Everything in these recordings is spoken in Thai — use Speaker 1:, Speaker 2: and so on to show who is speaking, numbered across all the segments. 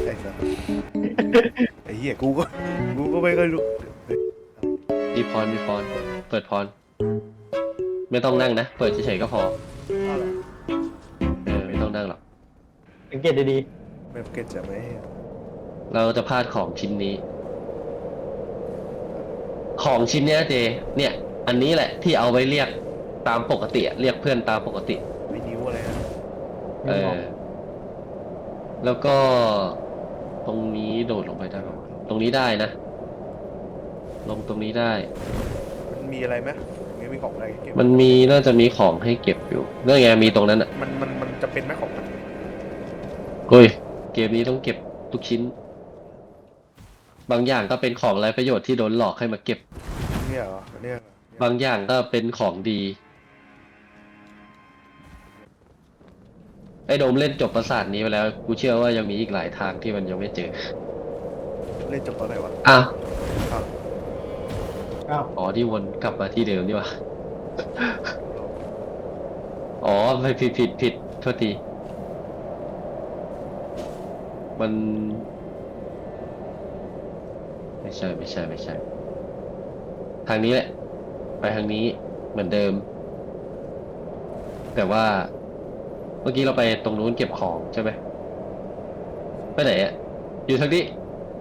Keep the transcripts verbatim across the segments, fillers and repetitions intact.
Speaker 1: ไอ้สัสไอ้เหี้ยกูก็กูก็ไม่เคยรู้
Speaker 2: มีพรมีพรเปิดพรไม่ต้องนั่งนะเปิดเฉยๆก็พอเออไม่ต้องนั่งหรอก
Speaker 3: สังเกตดี
Speaker 1: ไม่เก็ตจะไม่
Speaker 2: เราจะพลาดของชิ้นนี้ ของชิ้นเนี้ยเจเนี่ยอันนี้แหละที่เอาไว้เรียกตามปกติเรียกเพื่อนตามปกติ
Speaker 1: ไม่นิ้วอะไรนะ
Speaker 2: เออแล้วก็ตรงนี้โดดลงไปได้ไหมตรงนี้ได้นะลงตรงนี้ได้
Speaker 1: มันมีอะไรไหมมีมีของอะไรเก็บ
Speaker 2: มันมีน่าจะมีของให้เก็บอยู่นั่นไงมีตรงนั้นอ่ะ
Speaker 1: มันมันมันจะเป็นไหมของมัน
Speaker 2: โอ้ยเกมนี้ต้องเก็บทุกชิ้นบางอย่างก็เป็นของไร้ประโยชน์ที่โดนหลอกให้มาเก็บ
Speaker 1: เนี่ยเหรอเนี่ย
Speaker 2: บางอย่างก็เป็นของดีไอ้โดมเล่นจบปราสาทนี้ไปแล้วกูเชื่อว่ายังมีอีกหลายทางที่มันยังไม่เจอ
Speaker 1: เล่นจบตอนไหนวะ
Speaker 2: อ้าว
Speaker 3: อ้าว
Speaker 2: อ๋อที่วนกลับมาที่เดิมนี่วะอ๋อไม่ผิดผิดผิดโทษทีมันไม่ใช่ไม่ใช่ไม่ใช่ทางนี้แหละไปทางนี้เหมือนเดิมแต่ว่าเมื่อกี้เราไปตรงนู้นเก็บของใช่ไหมไปไหนอ่ะอยู่ทางนี้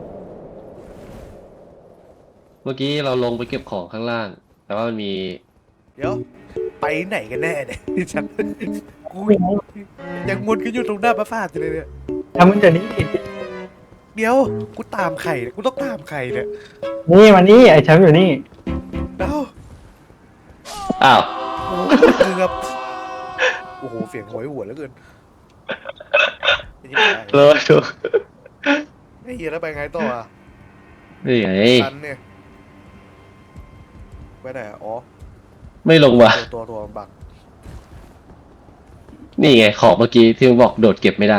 Speaker 2: เมื่อกี้เราลงไปเก็บของข้างล่างแต่ว่ามันมี
Speaker 1: เดี๋ยวไปไหนกันแน่เนี่ยฉันกูยังวนกันอยู่ตรงหน้าปราสาทอยู่เลยเนี่ย
Speaker 3: ทำมันจะนี้
Speaker 1: เดี๋ยวกูตามใครกูต้องตามใครเนี่ย
Speaker 3: นี่มานี่ไอ้แชมป์อยู่นี่
Speaker 1: เอ้า
Speaker 2: อ้าว
Speaker 1: เกือบโอ้โหเสียงหวยหวนแล้วเกิน
Speaker 2: เลยถูก
Speaker 1: ไอ้เหี้ยแล้วไปไงต่ออ่ะ
Speaker 2: นี่ไง
Speaker 1: ตันเนี่ยไปไหนอ๋อ
Speaker 2: ไม่ลงวะ
Speaker 1: ตัวตัวบัก
Speaker 2: นี่ไงของเมื่อกี้ที่บอกโดดเก็บไม่ได้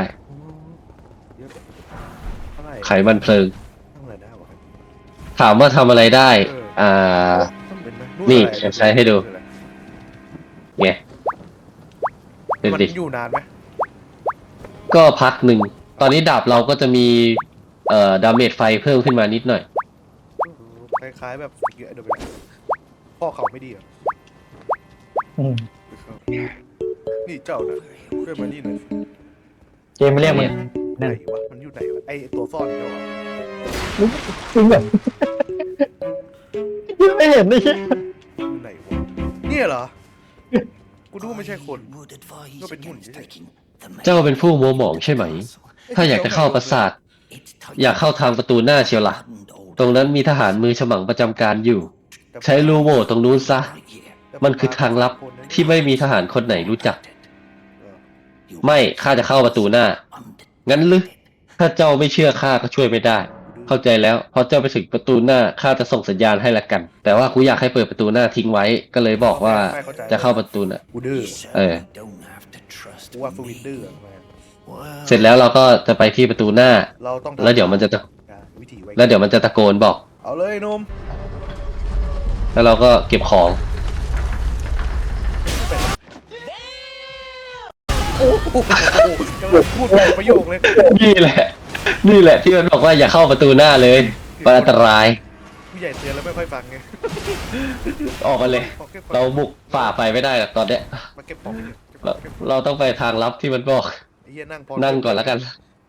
Speaker 2: ไขมันเพลิงถามว่าทำอะไรได้อ่านี่ใช้ให้ดูไงเป็นดิ
Speaker 1: อยู่นานไหม
Speaker 2: ก็พักหนึ่งตอนนี้ดาบเราก็จะมีเอ่อดาเมจไฟเพิ่มขึ้นมานิดหน่อย
Speaker 1: คล้ายๆแบบเยอะเดี๋ยวไปพ่อเขาไม่ดีอ่ะนี่เจ้านะช่วยมานี่หน่อย
Speaker 3: เกมไม่เรียกมัน
Speaker 1: ไหนวะมันอยู่ไหนวะไอตัวซ่อนเจ้าอ่ะ
Speaker 3: มึงแบบยังไม่เห็นเลยใช่
Speaker 1: อยู่ไหนวะเนี่ยเหรอกูดูไม่ใช่คนก็เป็นหุ่น
Speaker 2: เจ้าเป็นผู้มัวหมองใช่ไหมถ้าอยากจะเข้าปราสาทอยากเข้าทางประตูหน้าเชียวล่ะตรงนั้นมีทหารมือฉมังประจำการอยู่ใช้รูโหว่ตรงนู้นซะมันคือทางลับที่ไม่มีทหารคนไหนรู้จักไม่ข้าจะเข้าประตูหน้างั้นหรือถ้าเจ้าไม่เชื่อข้าก็ช่วยไม่ได้เข้าใจแล้วพอเจ้าไปถึงประตูหน้าข้าจะส่งสัญญาณให้ละกันแต่ว่ากูอยากให้เปิดประตูหน้าทิ้งไว้ก็เลยบอกว่าจะเข้าประตูน่ะ
Speaker 1: กูดื้อ
Speaker 2: เออ
Speaker 1: กูว่าฟูวินดื้อ
Speaker 2: เสร็จแล้วเราก็จะไปที่ประตูหน้าแล้วเดี๋ยวมันจะแล้วเดี๋ยวมันจะตะโกนบอก
Speaker 1: เอาเลยนม
Speaker 2: แล้วเราก็เก็บของ
Speaker 1: โอ้โหกำลังพูดประโยคเลย
Speaker 2: นี่แหละนี่แหละที่มันบอกว่าอย่าเข้าประตูหน้าเลยมันอันตราย
Speaker 1: ผู้ใหญ่เตือนแล้วไม่ค่อยฟังไง
Speaker 2: ออกมาเลยเราบุกฝ่าไปไม่ได้หรอกตอนเนี้ยเราเราต้องไปทางลับที่มันบอกนั่งก่อนแล้วกัน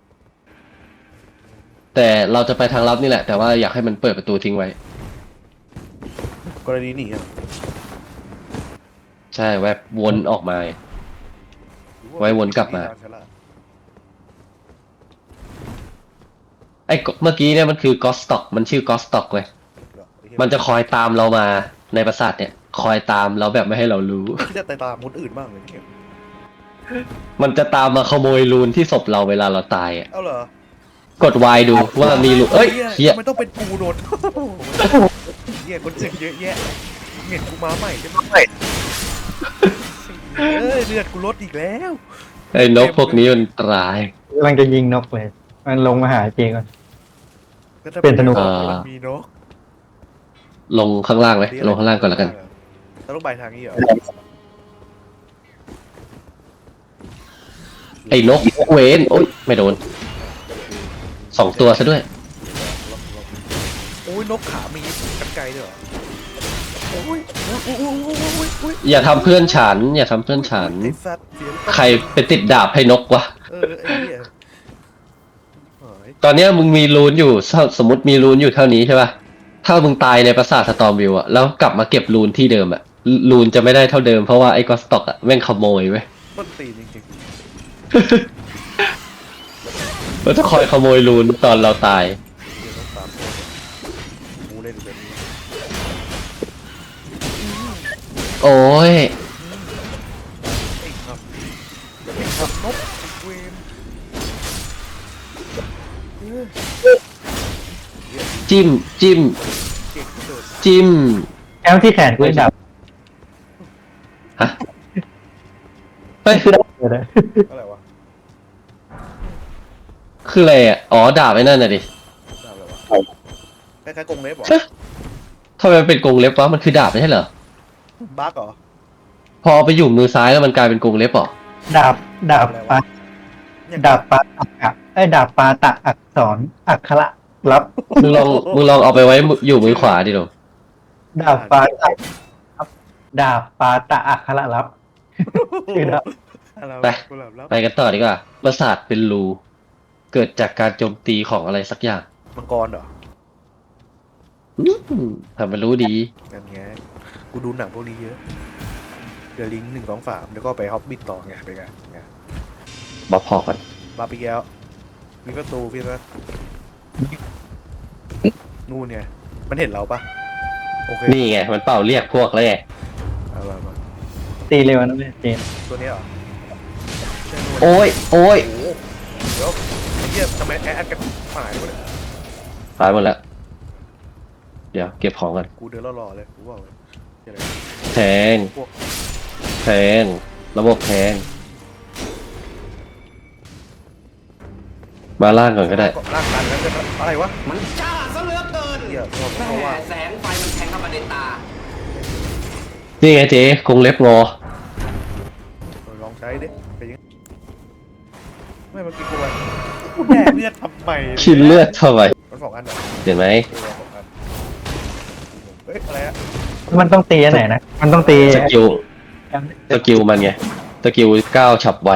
Speaker 2: แต่เราจะไปทางลับนี่แหละแต่ว่าอยากให้มันเปิดประตูทิ้งไว้
Speaker 1: กรณีนี้
Speaker 2: ใช่แวบวนออกมาไว้วนกลับมาไอ้เมื่อกี้เนี่ยมันคือกอสต็อกมันชื่อกอสต็อกเว้ยมันจะคอยตามเรามาในปราสาทเนี่ยคอยตามเราแบบไม่ให้เรารู้
Speaker 1: ที่จะตามคนอื่นบ้างเลยเนี่ย
Speaker 2: มันจะตามมาขโมยรูนที่ศพเราเวลาเราตายอ่ะ
Speaker 1: เอาเหรอก
Speaker 2: ด Y ดูว่ามีรูนเอ้ยเฮีย
Speaker 1: มันต้องเป็นกูโดนเฮียคนอื่นเยอะแยะเห็นกูมาใหม่ใช่ไหมเอ้ยเลือดกูลดอีกแล้ว
Speaker 2: ไอ้นกพวกนี้มันตราย
Speaker 3: กำลังจะยิงนกเลยมันลงมาหาเจก่อนเป็นธนู
Speaker 1: มีนก
Speaker 2: ลงข้างล่างไหมลงข้างล่างก่อนแล้วกัน
Speaker 1: แล้วลงไปทางนี้เหรอ
Speaker 2: ไอ้นกเวนโอ๊ยไม่โดนสองตัวซะด้วย
Speaker 1: โอ้ยนกขามีกันไกลด้วยเหรอโอ้ยโอ้ยโอ้ยโอ้ยโอ้ยโอ้ย
Speaker 2: อย่าทำเพื่อนฉัน อย่าทำเพื่อนฉัน
Speaker 1: ไอ้สัตว์เสียง
Speaker 2: ใครไปติดดาบให้นกวะ
Speaker 1: เออไอ้เหี้ยเฮ้ย
Speaker 2: ตอนเนี้ยมึงมีรูนอยู่ถ้าสมมติมีรูนอยู่เท่านี้ใช่ป่ะ ถ้ามึงตายในปราสาทสตอมวิวอะแล้วกลับมาเก็บรูนที่เดิมอะรูนจะไม่ได้เท่าเดิมเพราะว่าไอ้กอสต็อกอะแม่งขโมยเว้ย
Speaker 1: ต้นตีนจริง
Speaker 2: มันจะคอยขโมยรูนตอนเราตาย
Speaker 1: ๆเดี๋ยวนกสามตัวกูเล่นแบบนี้
Speaker 2: โอ้ย
Speaker 1: ไอ้ครับไอ้ครับนกไอ้เวรเออ
Speaker 2: จิ้ม จิ้ม
Speaker 1: เก่งเกิน
Speaker 2: จิ้ม
Speaker 3: แอมที่แขนกูดับ
Speaker 2: ฮะเฮ้ย
Speaker 3: คือดับเลย
Speaker 1: อะไรวะ
Speaker 2: คืออะไรอ่ะ อ๋อ ดาบไอ้นั่นน่ะดิ
Speaker 1: ดาบอะไรวะคล้ายๆกรงเล็บเหรอ
Speaker 2: เอ๊ะทำไมมันเป็นกรงเล็บวะ มันคือดาบไม่ใช่เหรอ
Speaker 1: บั๊กเหรอ
Speaker 2: พอเอาไปอยู่มือซ้ายแล้วมันกลายเป็นกรงเล็บเหรอ
Speaker 3: ดาบดาบปลา
Speaker 1: อย่าง
Speaker 3: ดาบปลาตักอะไอ้ยดาบปลาตะอักษรอักขระรับ
Speaker 2: มึงลอง มึงลองเอาไปไว้อยู่มือขวาดิหรอ
Speaker 3: ดาบปลาตะครับดาบปลาตะอักขระรับชื่อดาบ
Speaker 1: อะไรวะ
Speaker 2: ไป
Speaker 1: กุหลาบลับ
Speaker 2: ไปกันต่อดีกว่า ปราสาทเป็นรู เกิดจากการโจมตีของอะไรสักอย่าง
Speaker 1: มังกรเหรอ
Speaker 2: อืมทำมันรู้ดี
Speaker 1: นั่นไงกูดูหนังพวกนี้เยอะเดอะลิงหนึ่งสองสามแล้วก็ไปฮอบบิทต่อไงไปไงไง
Speaker 2: มาพอกัน
Speaker 1: บาปิแก้วมีประตูพี่นะนู่นไงมันเห็นเราปะโอเค
Speaker 2: นี่ไง มันเป่าเรียกพวกแล้วไง
Speaker 1: เอามามา
Speaker 3: ตีเร็วนะเว้ยเจน
Speaker 1: ตัวนี้เหรอใช่นู่น
Speaker 2: โอ้ย โอ้ย
Speaker 1: โอ้โหเดี๋ยวไอ้เหี้ยทำไมแอดกันหายวะเนี่ย
Speaker 2: ตายหมดแล้ว เดี๋ยวเก็บของกัน
Speaker 1: กูเดินรอๆเลยกูบอกเลยเหี้ยอะไร
Speaker 2: แทง
Speaker 1: พวก
Speaker 2: แทง ระบบแทง มาล่างก่อนก็ได้
Speaker 1: ร่างกันแล้วจะอะไรวะ
Speaker 4: มันจ้าซะเหลือเกิน
Speaker 1: เหี้ยเพราะ
Speaker 4: แม่
Speaker 1: ว่า
Speaker 4: แสงไฟมันแทงเข้ามาในตา
Speaker 2: นี่ไงเจ๊กรงเล็บงอ
Speaker 1: ลองใช้ดิเป็นยังไม่เมื่อกี้กูว่ากูแดกเลือดทำไม
Speaker 2: คิดเลือดทำไม
Speaker 1: มันสองอันเหรอ
Speaker 2: เห็นไหม
Speaker 1: เออสองอันเฮ้ยอะไรอะ
Speaker 3: มันต้องตีอันไหนนะมันต้องตี
Speaker 2: สกิล สกิลมันไง สกิลก้าวฉับไว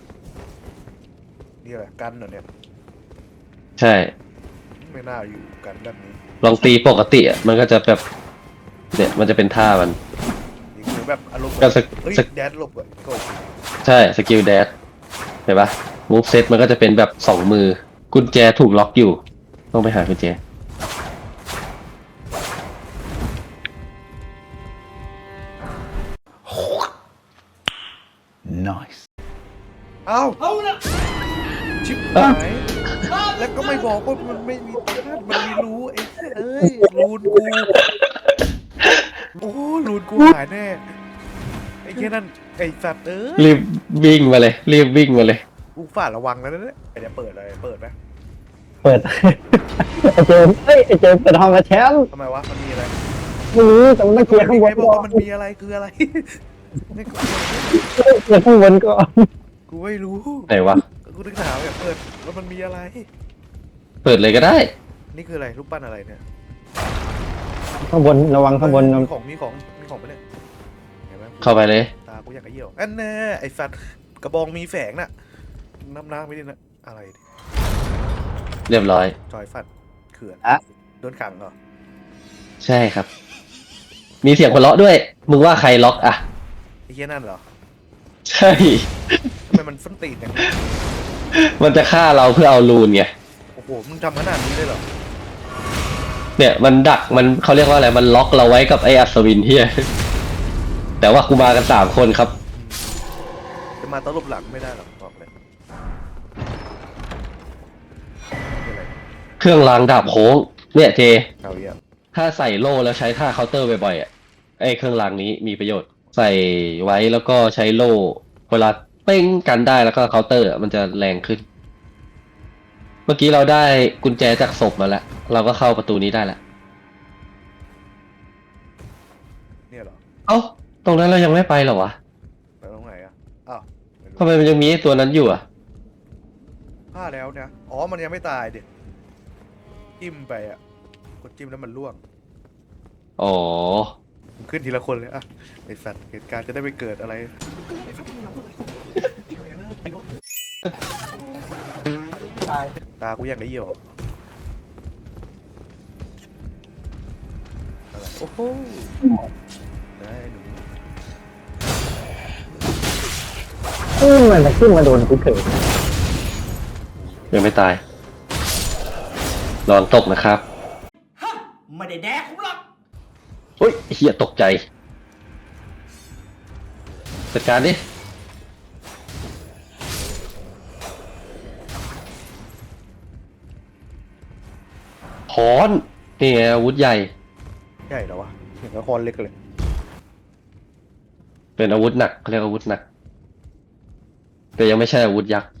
Speaker 1: นี่อะไรกันเหรอเนี่ย
Speaker 2: ใช่
Speaker 1: ไม่น่าอยู่กันแบบนี้
Speaker 2: ลองตีปกติอ่ะ มันก็จะแบบ เนี่ย มันจะเป็นท่ามัน
Speaker 1: นี่คือแบบอารมณ์
Speaker 2: ก็สก
Speaker 1: เฮ้ย
Speaker 2: สก
Speaker 1: แดดหลบเลยโก
Speaker 2: ใช่ สกิลแดชเห็นปะมูฟเซตมันก็จะเป็นแบบสองมือ กุญแจถูกล็อกอยู่ ต้องไปหากุญแจ
Speaker 1: เอ้า
Speaker 4: เอาละ
Speaker 1: ชิบหายแล้วก็ไม่บอกว่ามันไม่มีตัวนั่นมันมีรูไอ้เอ้ยรูนกูโอ้รูนกูหายแน่ไอ้แค่นั้นไอ้สัตว์เอ้ย
Speaker 2: รีบวิ่งมาเลย รีบวิ่งมาเลย
Speaker 1: กูฝ่าระวังแล้วนะเนี่ยเดี๋ยวเปิดอะไรเปิดไหม
Speaker 3: เปิด ไอเจมส์เฮ้ยไอเจมส์เปิดห้องกับแชมป์
Speaker 1: ทำไมวะมันมีอะไร
Speaker 3: ไม่รู้แต่มันต้องเคลียร์ข้างบ
Speaker 1: ใคร
Speaker 3: น
Speaker 1: บอก
Speaker 3: ก่อ
Speaker 1: ว่าน มันมีอะไรคืออะไรนี่กู
Speaker 3: เคลียร์ข้างบนก่อน
Speaker 1: กูไม่รู้
Speaker 2: ไหนวะ
Speaker 1: กูถึงถามแบบเปิดแล้วมันมีอะไร
Speaker 2: เปิดเลยก็ได้
Speaker 1: นี่คืออะไรรูปปั้นอะไรเนี่ย
Speaker 3: ข้างบนระวังข้างบน
Speaker 1: มีของมีของมีของปะเนี่ยเห็นไหม
Speaker 2: เข้าไปเลย
Speaker 1: ตากูอยากกระเยี่ยวอันแน่ไอ้สัตว์กระบองมีแฝงน่ะน้ำน้ำไม่ได้นะอะไรดิ
Speaker 2: เรียบร้อย
Speaker 1: จอยฟันเขื่อน
Speaker 3: อะ
Speaker 1: โดนขังเหรอ
Speaker 2: ใช่ครับ มีเสียงหัวเราะด้วย มึงว่าใครล็อกอ่ะ
Speaker 1: ไอ้เหี้ยนั่นเหรอ
Speaker 2: ใช่
Speaker 1: ทำไมมันฟันตีนอย่างนี้
Speaker 2: มันจะฆ่าเราเพื่อเอารูนไง
Speaker 1: โอ้โหมึงทำขนาดนี้เลยเหรอ
Speaker 2: เนี่ยมันดักมันเขาเรียกว่าอะไร มันล็อกเราไว้กับไอ้อัศวินเฮียแต่ว่ากูมากันสามคนครับ
Speaker 1: จะมาตลบหลังไม่ได้หรอกบอกเลยนี่อะไร
Speaker 2: เครื่องรางดาบโค้ง เนี่ยเจ
Speaker 1: เอาเยี่ยม
Speaker 2: ถ้าใส่โล่แล้วใช้ท่าเคาน์เตอร์บ่อยๆอ่ะ ไอ้เครื่องรางนี้มีประโยชน์ ใส่ไว้แล้วก็ใช้โล่ เวลาเป้งกันได้แล้วก็เคาน์เตอร์อะมันจะแรงขึ้น เมื่อกี้เราได้กุญแจจากศพมาแล้ว เราก็เข้าประตูนี้ได้แล้ว
Speaker 1: เนี่ยเหรอ
Speaker 2: เอ้า ตรงนั้นเรายังไม่ไปเหรอวะ
Speaker 1: ไปตรงไหนอ่ะอ้าวไม่รู้
Speaker 2: ทำไมมันยังมีไอ้ตัวนั้นอยู่อ่ะ
Speaker 1: พลาดแล้วเนี่ยอ๋อมันยังไม่ตายเด็จิ้มไปอ่ะกดจิ้มแล้วมันล่วง
Speaker 2: อ๋อ
Speaker 1: ผมขึ้นทีละคนเลยอ่ะไอสัตว์เหตุการณ์จะได้ไม่เกิดอะไร
Speaker 3: ตาย
Speaker 1: ตากูยังได้เหี่ยวอะไรโอ้โหได้หนู
Speaker 3: เออมันจะขึ้นมาโดนกูเถอะ
Speaker 2: ยังไม่ตายนอนตกนะครับ
Speaker 4: ไม่ได้แดกผมหรอก
Speaker 2: เฮ้ยเฮียตกใจจัดการดิค้อนนี่ไงอาวุธใหญ่
Speaker 1: ใหญ่เหรอวะเห็นละครเล็กเลย
Speaker 2: เป็นอาวุธหนักเขาเรียกอาวุธหนัก แต่ยังไม่ใช่อาวุธยักษ์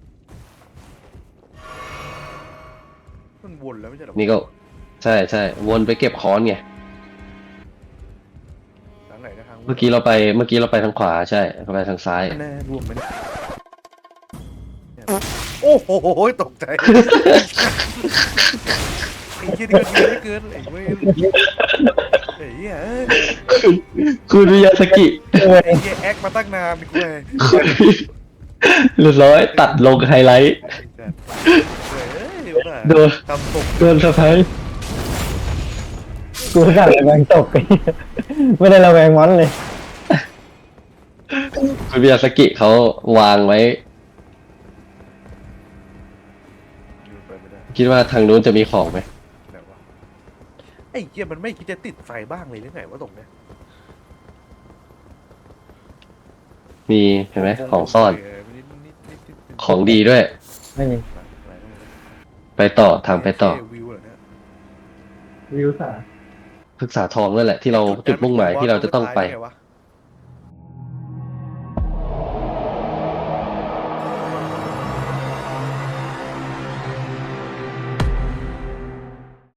Speaker 1: มันวนแล้วไม่ใช่เหรอ
Speaker 2: นี่ก็ ใช่ใช่วนไปเก็บค้อนไง
Speaker 1: ทางไหนนะทาง
Speaker 2: เมื่อกี้เราไปเมื่อกี้เราไปทางขวาใช่เราไปทางซ้าย
Speaker 1: แน่ร่วงไหมเนี่ยโอ้โหตกใจไอ้เหี้ยนี่ก็เยอะเหลือเกินไอ้เว้ยไอ้เหี้ยเอ้ย
Speaker 2: คุณวิยาสกิ
Speaker 1: ไอ้เหี้ยแอคมาตั้งนานนี่กูเลย
Speaker 2: เรียบร้อยตัดลงไฮไลท์
Speaker 1: ไอ้สัตว์เฮ้ยเดี๋ยวนะ
Speaker 2: โดน
Speaker 1: ทำตก
Speaker 2: โดนสะพาย
Speaker 3: กูสั่งระแวงตกไปไม่ได้ระแวงมอนเลย
Speaker 2: คุณวิยาสกิเขาวางไว้
Speaker 1: อยู่ไปไม่ได้
Speaker 2: คิดว่าทางนู้นจะมีของไหม
Speaker 1: ไหนวะไอ้เหี้ยมันไม่คิดจะติดไฟบ้างเลยหรือไงวะตรงเนี้ย
Speaker 2: มีเห็นไหมของซ่อน
Speaker 1: เนิดนิดนิดนิดนิด
Speaker 2: ของดีด้วย
Speaker 3: ไม่มี
Speaker 2: ไปต่อทางไปต่อ
Speaker 1: เวิวเหรอเนี่ย
Speaker 3: วิวสา
Speaker 2: พึกษาทองนั่นแหละที่เราจุดมุ่งหมายที่เราจะต้องไป
Speaker 1: งวะ